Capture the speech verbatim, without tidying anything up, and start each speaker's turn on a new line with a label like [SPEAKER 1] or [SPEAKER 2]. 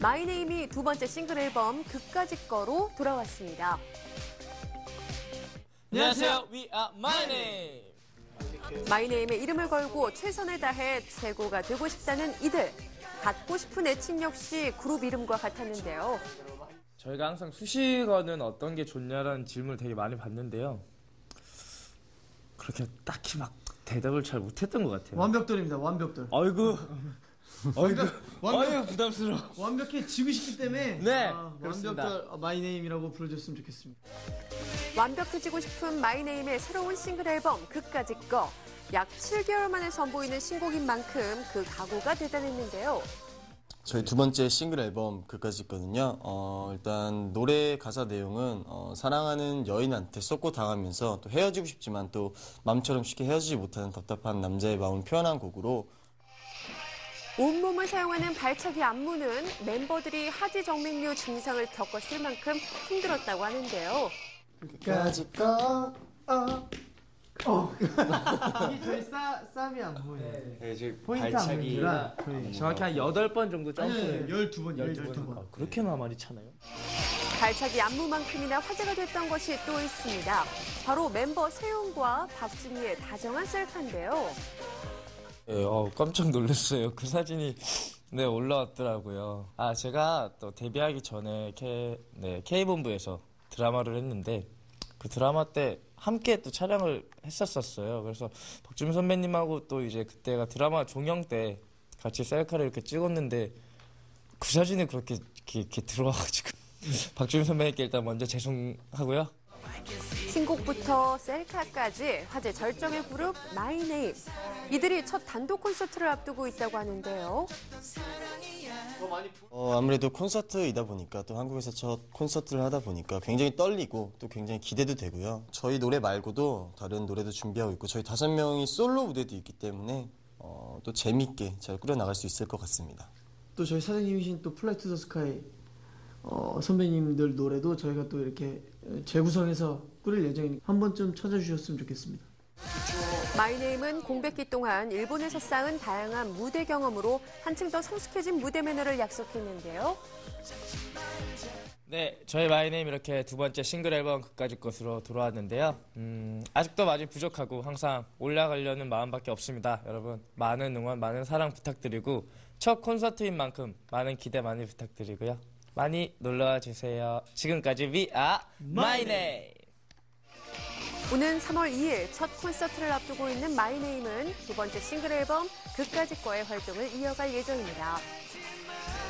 [SPEAKER 1] 마이네임이 두 번째 싱글 앨범 그까짓 거로 돌아왔습니다.
[SPEAKER 2] 안녕하세요, We are My Name.
[SPEAKER 1] 마이네임의 이름을 걸고 최선을 다해 최고가 되고 싶다는 이들. 갖고 싶은 애칭 역시 그룹 이름과 같았는데요.
[SPEAKER 2] 저희가 항상 수식어는 어떤 게 좋냐라는 질문을 되게 많이 받는데요. 그렇게 딱히 막 대답을 잘 못했던 것 같아요.
[SPEAKER 3] 완벽돌입니다. 완벽돌.
[SPEAKER 2] 아이고, 아이고,
[SPEAKER 3] 완벽,
[SPEAKER 2] 아이고 부담스러워.
[SPEAKER 3] 완벽해지고 싶기 때문에
[SPEAKER 2] 네,
[SPEAKER 3] 아, 완벽돌 마이네임이라고 불러줬으면 좋겠습니다.
[SPEAKER 1] 완벽해지고 싶은 마이네임의 새로운 싱글 앨범 그까짓 거. 약 칠 개월 만에 선보이는 신곡인 만큼 그 각오가 대단했는데요.
[SPEAKER 4] 저희 두 번째 싱글 앨범 그까짓 거는요. 어, 일단 노래 가사 내용은 어, 사랑하는 여인한테 쏟고 당하면서 또 헤어지고 싶지만 또 마음처럼 쉽게 헤어지지 못하는 답답한 남자의 마음을 표현한 곡으로
[SPEAKER 1] 온몸을 사용하는 발차기 안무는 멤버들이 하지정맥류 증상을 겪었을 만큼 힘들었다고 하는데요.
[SPEAKER 4] 그까짓 거
[SPEAKER 3] 어. 어. 이게 저희 싸, 쌈이 안무예요.
[SPEAKER 2] 네, 저희
[SPEAKER 3] 포인트
[SPEAKER 2] 발차기가
[SPEAKER 3] 안무라
[SPEAKER 2] 정확히 한 여덟 번 정도 점프를.
[SPEAKER 3] 열두 번, 열두 번.
[SPEAKER 2] 아, 그렇게나 많이 차나요?
[SPEAKER 1] 발차기 안무만큼이나 화제가 됐던 것이 또 있습니다. 바로 멤버 세용과 박진희의 다정한 셀카인데요.
[SPEAKER 2] 네, 어, 깜짝 놀랐어요. 그 사진이 네 올라왔더라고요. 아 제가 또 데뷔하기 전에 K, 네, K본부에서 드라마를 했는데 그 드라마 때 함께 또 촬영을 했었었어요. 그래서 박주민 선배님하고 또 이제 그때가 드라마 종영 때 같이 셀카를 이렇게 찍었는데 그 사진이 그렇게 이렇게, 이렇게 들어와가지고 박주민 선배님께 일단 먼저 죄송하고요.
[SPEAKER 1] 신곡부터 셀카까지 화제 절정의 그룹 마이네임. 이들이 첫 단독 콘서트를 앞두고 있다고 하는데요.
[SPEAKER 4] 어, 아무래도 콘서트이다 보니까 또 한국에서 첫 콘서트를 하다 보니까 굉장히 떨리고 또 굉장히 기대도 되고요. 저희 노래 말고도 다른 노래도 준비하고 있고 저희 다섯 명이 솔로 무대도 있기 때문에 어, 또 재밌게 잘 꾸려나갈 수 있을 것 같습니다.
[SPEAKER 3] 또 저희 사장님이신 또 플라이 투 더 스카이 어, 선배님들 노래도 저희가 또 이렇게 재구성해서 꾸릴 예정이니까 한 번쯤 찾아주셨으면 좋겠습니다.
[SPEAKER 1] 마이네임은 공백기 동안 일본에서 쌓은 다양한 무대 경험으로 한층 더 성숙해진 무대 매너를 약속했는데요.
[SPEAKER 2] 네, 저희 마이네임 이렇게 두 번째 싱글 앨범 그까짓 것으로 돌아왔는데요. 음, 아직도 많이 부족하고 항상 올라가려는 마음밖에 없습니다. 여러분 많은 응원, 많은 사랑 부탁드리고 첫 콘서트인 만큼 많은 기대 많이 부탁드리고요. 많이 놀러와 주세요. 지금까지 We are My Name.
[SPEAKER 1] 오는 삼월 이일 첫 콘서트를 앞두고 있는 마이네임은 두 번째 싱글 앨범 그까짓 거의 활동을 이어갈 예정입니다.